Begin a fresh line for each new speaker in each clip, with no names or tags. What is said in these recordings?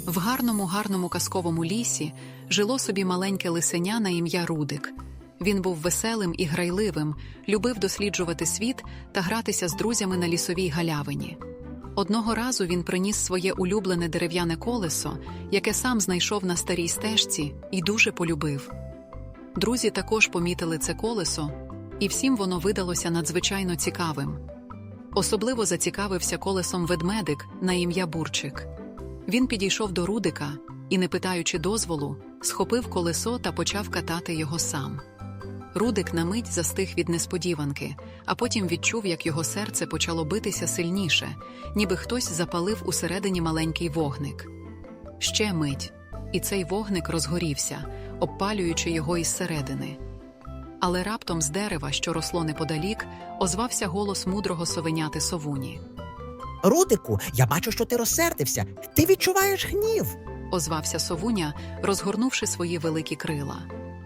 В гарному казковому лісі жило собі маленьке лисеня на ім'я Рудик. Він був веселим і грайливим, любив досліджувати світ та гратися з друзями на лісовій галявині. Одного разу він приніс своє улюблене дерев'яне колесо, яке сам знайшов на старій стежці, і дуже полюбив. Друзі також помітили це колесо, і всім воно видалося надзвичайно цікавим. Особливо зацікавився колесом ведмедик на ім'я Бурчик. Він підійшов до Рудика і, не питаючи дозволу, схопив колесо та почав катати його сам. Рудик на мить застиг від несподіванки, а потім відчув, як його серце почало битися сильніше, ніби хтось запалив усередині маленький вогник. Ще мить, і цей вогник розгорівся, обпалюючи його із середини. Але раптом з дерева, що росло неподалік, озвався голос мудрого совеняти Совуні.
«Рудику, я бачу, що ти розсердився. Ти відчуваєш гнів!»
– озвався Совуня, розгорнувши свої великі крила.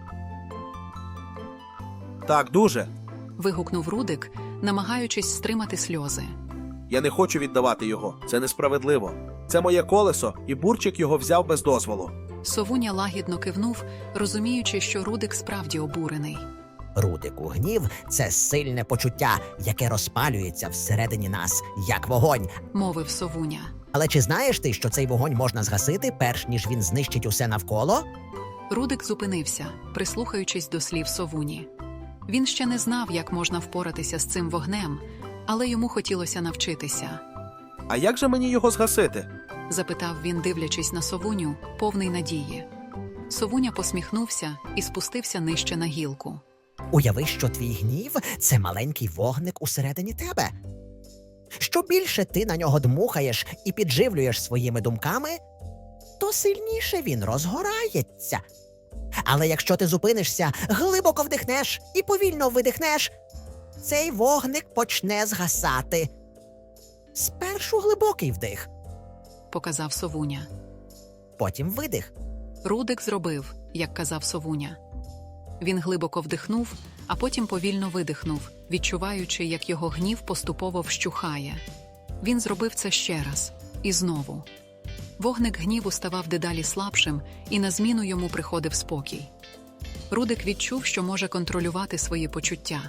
Так, дуже.
– вигукнув Рудик, намагаючись стримати сльози.
Я не хочу віддавати його. Це несправедливо. Це моє колесо, і Бурчик його взяв без дозволу.
Совуня лагідно кивнув, розуміючи, що Рудик справді обурений.
Рудику, гнів – це сильне почуття, яке розпалюється всередині нас, як вогонь.
– мовив Совуня.
Але чи знаєш ти, що цей вогонь можна згасити, перш ніж він знищить усе навколо?
Рудик зупинився, прислухаючись до слів Совуні. Він ще не знав, як можна впоратися з цим вогнем, але йому хотілося навчитися.
А як же мені його згасити?
– запитав він, дивлячись на Совуню, повний надії. Совуня посміхнувся і спустився нижче на гілку.
Уяви, що твій гнів – це маленький вогник усередині тебе. Що більше ти на нього дмухаєш і підживлюєш своїми думками, то сильніше він розгорається. Але якщо ти зупинишся, глибоко вдихнеш і повільно видихнеш, цей вогник почне згасати. Спершу глибокий вдих,
– показав Совуня.
потім видих.
Рудик зробив, як казав Совуня. Він глибоко вдихнув, а потім повільно видихнув, відчуваючи, як його гнів поступово вщухає. Він зробив це ще раз. І знову. Вогник гніву ставав дедалі слабшим, і на зміну йому приходив спокій. Рудик відчув, що може контролювати свої почуття.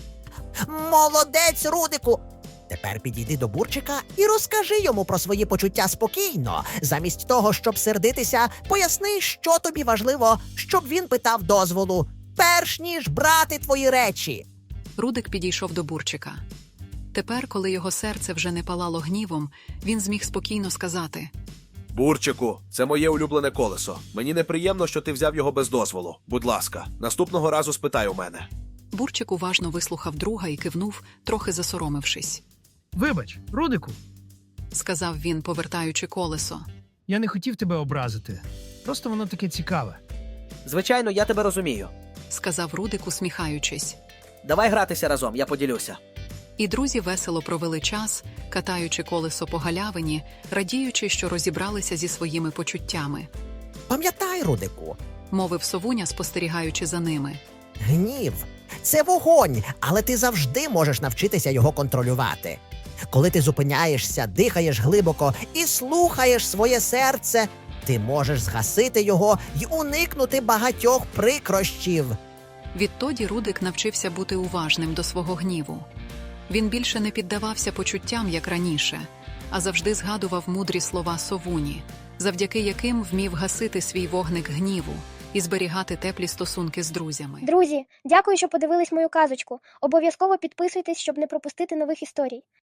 Молодець, Рудику! Тепер підійди до Бурчика і розкажи йому про свої почуття спокійно. Замість того, щоб сердитися, поясни, що тобі важливо, щоб він питав дозволу, перш ніж брати твої речі.
Рудик підійшов до Бурчика. Тепер, коли його серце вже не палало гнівом, він зміг спокійно сказати:
Бурчику, це моє улюблене колесо. Мені неприємно, що ти взяв його без дозволу. Будь ласка, наступного разу спитай у мене.
Бурчик уважно вислухав друга і кивнув, трохи засоромившись.
«Вибач, Рудику,
– сказав він, повертаючи колесо.
я не хотів тебе образити. Просто воно таке цікаве».
Звичайно, я тебе розумію.
– сказав Рудик, усміхаючись.
Давай гратися разом, я поділюся.
І друзі весело провели час, катаючи колесо по галявині, радіючи, що розібралися зі своїми почуттями.
Пам'ятай, Рудику,
– мовив Совуня, спостерігаючи за ними.
гнів – це вогонь, але ти завжди можеш навчитися його контролювати. Коли ти зупиняєшся, дихаєш глибоко і слухаєш своє серце, ти можеш згасити його й уникнути багатьох прикрощів.
Відтоді Рудик навчився бути уважним до свого гніву. Він більше не піддавався почуттям, як раніше, а завжди згадував мудрі слова Совуні, завдяки яким вмів гасити свій вогник гніву і зберігати теплі стосунки з друзями.
Друзі, дякую, що подивились мою казочку. Обов'язково підписуйтесь, щоб не пропустити нових історій.